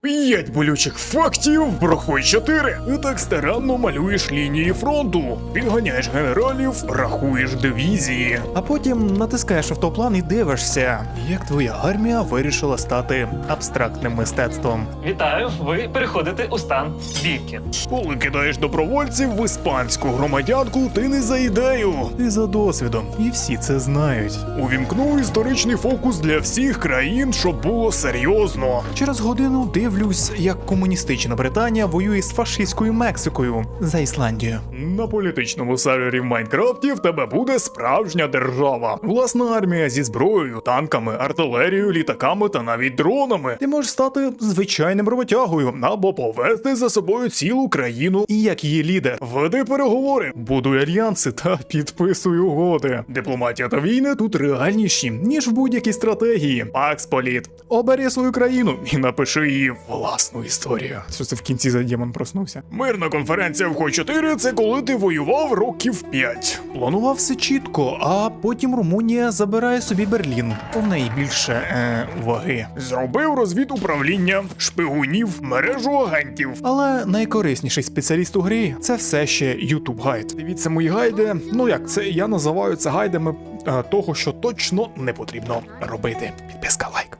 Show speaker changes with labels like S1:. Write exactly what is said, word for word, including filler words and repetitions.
S1: П'ять болючих фактів про Хой чотири. Ти так старанно малюєш лінії фронту, підганяєш генералів, рахуєш дивізії.
S2: А потім натискаєш автоплан і дивишся, як твоя армія вирішила стати абстрактним мистецтвом.
S3: Вітаю, ви переходите у стан бійки.
S1: Коли кидаєш добровольців в іспанську громадянку, ти не за ідею.
S2: Ти за досвідом, і всі це знають.
S1: Увімкнув історичний фокус для всіх країн, щоб було серйозно.
S2: Через годину дивлюсь, як комуністична Британія воює з фашистською Мексикою за Ісландію.
S1: На політичному сервері в Майнкрафті в тебе буде справжня держава. Власна армія зі зброєю, танками, артилерією, літаками та навіть дронами.
S2: Ти можеш стати звичайним роботягою.
S1: Або повести за собою цілу країну.
S2: І як її лідер.
S1: Веди переговори, будуй альянси та підписуй угоди. Дипломатія та війни тут реальніші, ніж в будь-якій стратегії. Пакс Політ. Обери свою країну і напиши її власну історію.
S2: Що це в кінці за демон проснувся?
S1: Мирна конференція в Хой чотири – це коли ти воював років п'ять.
S2: Планував все чітко, а потім Румунія забирає собі Берлін. В неї більше е, ваги.
S1: Зробив розвід управління, шпигунів, мережу агентів.
S2: Але найкорисніший спеціаліст у грі – це все ще YouTube гайд.
S1: Дивіться мої гайди. Ну як, це я називаю це гайдами е, того, що точно не потрібно робити. Підписка, лайк.